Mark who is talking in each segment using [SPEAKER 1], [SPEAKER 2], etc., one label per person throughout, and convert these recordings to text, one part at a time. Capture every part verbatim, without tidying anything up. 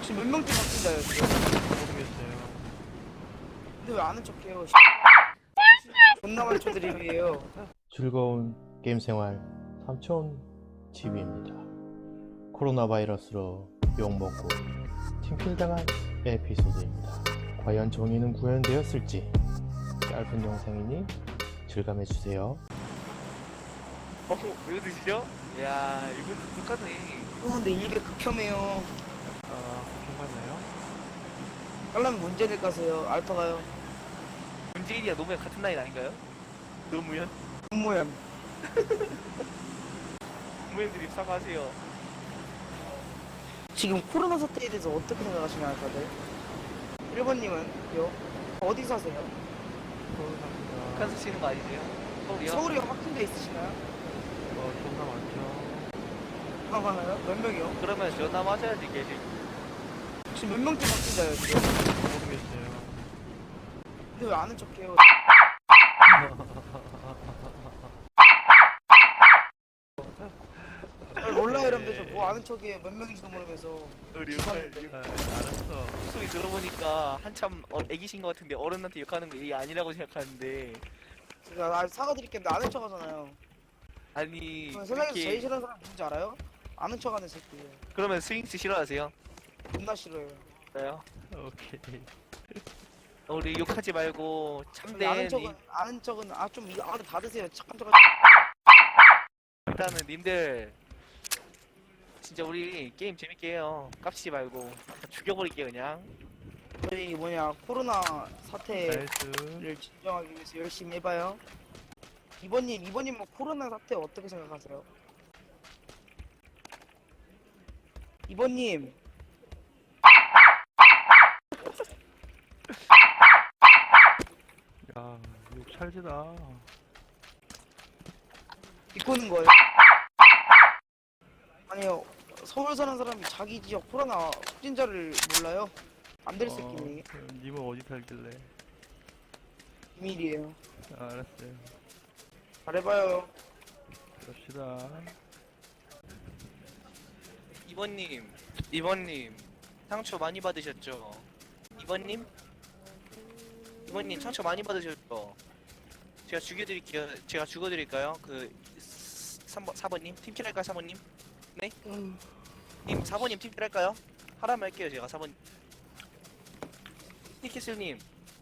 [SPEAKER 1] 지금 몇 명째 바뀐다요 지금?
[SPEAKER 2] 모르겠어요.
[SPEAKER 1] 근데 왜 아는 척해요? 존나 많죠 드립이에요.
[SPEAKER 3] 즐거운 게임 생활 삼촌 티비입니다. 코로나 바이러스로 욕먹고 팀킬당한 에피소드입니다. 과연 정의는 구현되었을지 짧은 영상이니 즐감해주세요.
[SPEAKER 4] 어, 이거 드시죠? 이야, 이거 똑같네.
[SPEAKER 1] 어, 근데 이게 극혐해요.
[SPEAKER 2] 아, 그렇게 맞나요?
[SPEAKER 1] 깔라면 문제될 가세요. 알파가요.
[SPEAKER 4] 문재인이야 노무현 같은 나이 아닌가요? 노무현?
[SPEAKER 1] 문모양.
[SPEAKER 4] 노무현들이 사과하세요.
[SPEAKER 1] 지금 코로나 사태에 대해서 어떻게 생각하시나요, 다들? 일 번님은요? 어디 사세요?
[SPEAKER 2] 코로나가
[SPEAKER 4] 북한 쓰시는 거 아니세요? 서울이요?
[SPEAKER 1] 서울에 확진돼 있으시나요?
[SPEAKER 2] 어, 존나 많죠.
[SPEAKER 1] 아, 많아요? 몇 명이요?
[SPEAKER 4] 그러면 전화 맞아야지 계실.
[SPEAKER 1] 지금 몇 명째 확진자예요, 지금?
[SPEAKER 2] 모르겠어요.
[SPEAKER 1] 근데 왜 아는 척해요? 잘 몰라요, 여러분들. 저 뭐 아는 척이에요. 몇 명인지도 모르면서.
[SPEAKER 4] 우리
[SPEAKER 2] 아, 알았어.
[SPEAKER 4] 소리 들어보니까 한참 어, 애기신 것 같은데 어른한테 욕하는 거 이게 아니라고 생각하는데
[SPEAKER 1] 제가 아, 사과드릴게요. 근데 아는 척 하잖아요.
[SPEAKER 4] 아니
[SPEAKER 1] 세상에서 제일
[SPEAKER 4] 이렇게
[SPEAKER 1] 싫어하는 사람 누군지 알아요? 아는 척하는 새끼.
[SPEAKER 4] 그러면 스윙스 싫어하세요?
[SPEAKER 1] 존나 싫어요.
[SPEAKER 4] 그래요?
[SPEAKER 2] 오케이.
[SPEAKER 4] 우리 욕하지 말고
[SPEAKER 1] 근데 아는
[SPEAKER 4] 참된
[SPEAKER 1] 척은 아는 척은 아좀 아는 다 드세요. 착한 척.
[SPEAKER 4] 일단은 님들 진짜 우리 게임 재밌게 해요. 깝치지 말고 죽여버릴게 그냥.
[SPEAKER 1] 저희 뭐냐 코로나 사태를
[SPEAKER 2] 나이스.
[SPEAKER 1] 진정하기 위해서 열심히 해봐요. 이번님 이번님 뭐 코로나 사태 어떻게 생각하세요? 이번님
[SPEAKER 2] 야, 욕 찰지다.
[SPEAKER 1] 비꼬는 거예요? 아니요 서울 사는 사람이 자기 지역 코로나 확진자를 몰라요? 안 될 새끼니
[SPEAKER 2] 어, 님은 어디 살길래?
[SPEAKER 1] 비밀이에요.
[SPEAKER 2] 아, 알았어요.
[SPEAKER 1] 잘해봐요.
[SPEAKER 2] 갑시다.
[SPEAKER 4] 이번님, 이번님 상처 많이 받으셨죠? 이번님? 이번님 상처 많이 받으셨죠? 제가 죽여드릴게요. 제가 죽어드릴까요? 그 삼 번, 사 번님 팀킬 할까요? 사 번님? 네?
[SPEAKER 1] 음,
[SPEAKER 4] 님 사 번님 팀킬 할까요? 하라면 할게요. 제가 사 번. 티켓슬님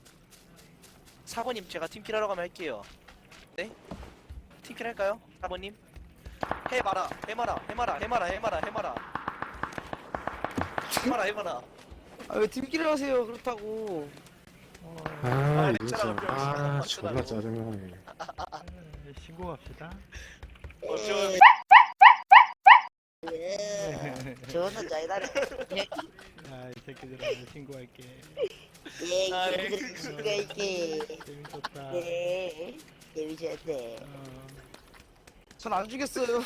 [SPEAKER 4] 사 번님 제가 팀킬 하러 가면 할게요. 네? 팀킬 할까요? 사 번님? 해봐라, 해마라, 해마라, 해마라, 해마라, 해마라. 해마라, 해마라.
[SPEAKER 1] 아, 왜 팀끼리 하세요 그렇다고.
[SPEAKER 5] 아,
[SPEAKER 4] 아,
[SPEAKER 5] 이거 참,
[SPEAKER 4] lecture
[SPEAKER 5] 아,
[SPEAKER 4] lecture
[SPEAKER 5] 존나 짜증나네.
[SPEAKER 2] 에, 신고합시다.
[SPEAKER 4] 어, 저,
[SPEAKER 1] 예. 저는 자이다래.
[SPEAKER 2] 야, 이 새끼들아, 신고할게.
[SPEAKER 1] 예,
[SPEAKER 4] 아, 네.
[SPEAKER 1] 여러분들 수가 있게.
[SPEAKER 2] 재밌었다.
[SPEAKER 1] 네, 재밌었네.
[SPEAKER 2] 어,
[SPEAKER 1] 전 안 죽였어요.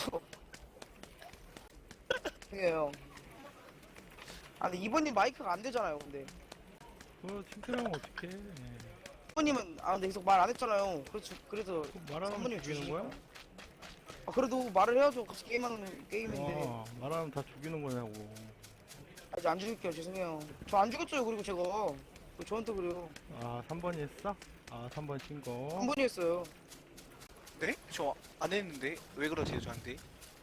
[SPEAKER 1] 해요. 아, 근데 이번님 마이크가 안 되잖아요, 근데.
[SPEAKER 2] 그거 팀킬하면 어떡해.
[SPEAKER 1] 이번님은 아, 근데 계속 말 안 했잖아요. 그래서 그래서
[SPEAKER 2] 말하면
[SPEAKER 1] 선배님
[SPEAKER 2] 죽이는
[SPEAKER 1] 주시니까.
[SPEAKER 2] 거야?
[SPEAKER 1] 아, 그래도 말을 해야죠. 같이 게임하는 게임인데.
[SPEAKER 2] 어, 말하면 다 죽이는 거냐고.
[SPEAKER 1] 아직 안 죽일게요. 죄송해요. 저 안 죽였어요. 그리고 제가 왜 저한테 그래요.
[SPEAKER 2] 아, 삼 번이 했어? 아, 삼 번 신고.
[SPEAKER 1] 한 번이 했어요.
[SPEAKER 4] 네? 저 안 했는데 왜 그러세요 저한테?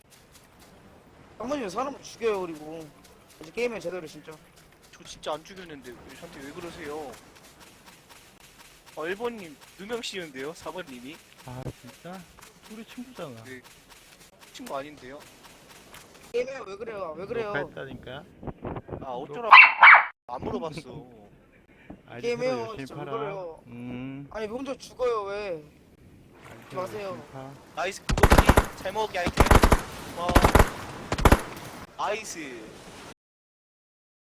[SPEAKER 1] 한 번이면 사람을 죽여요. 그리고 이제 게임에 제대로 진짜.
[SPEAKER 4] 저 진짜 안 죽였는데 왜 저한테 왜 그러세요? 어, 일 번님 누명 씌우는데요? 사 번님이?
[SPEAKER 2] 아, 진짜? 우리 친구잖아.
[SPEAKER 4] 네. 친구 아닌데요?
[SPEAKER 1] 게임에 왜 그래요? 왜 그래요?
[SPEAKER 2] 녹화했다니까?
[SPEAKER 4] 아 어쩌라 안 물어봤어.
[SPEAKER 2] 아이디
[SPEAKER 1] 게임해요,
[SPEAKER 2] 서로 열심히
[SPEAKER 1] 진짜 왜
[SPEAKER 2] 팔아.
[SPEAKER 1] 그래요?
[SPEAKER 2] 음.
[SPEAKER 1] 아니 혼자 죽어요 왜?
[SPEAKER 2] 아이디
[SPEAKER 1] 마세요.
[SPEAKER 2] 열심히 파.
[SPEAKER 4] 나이스 그거지 잘 먹을게 아이템. 와 아이스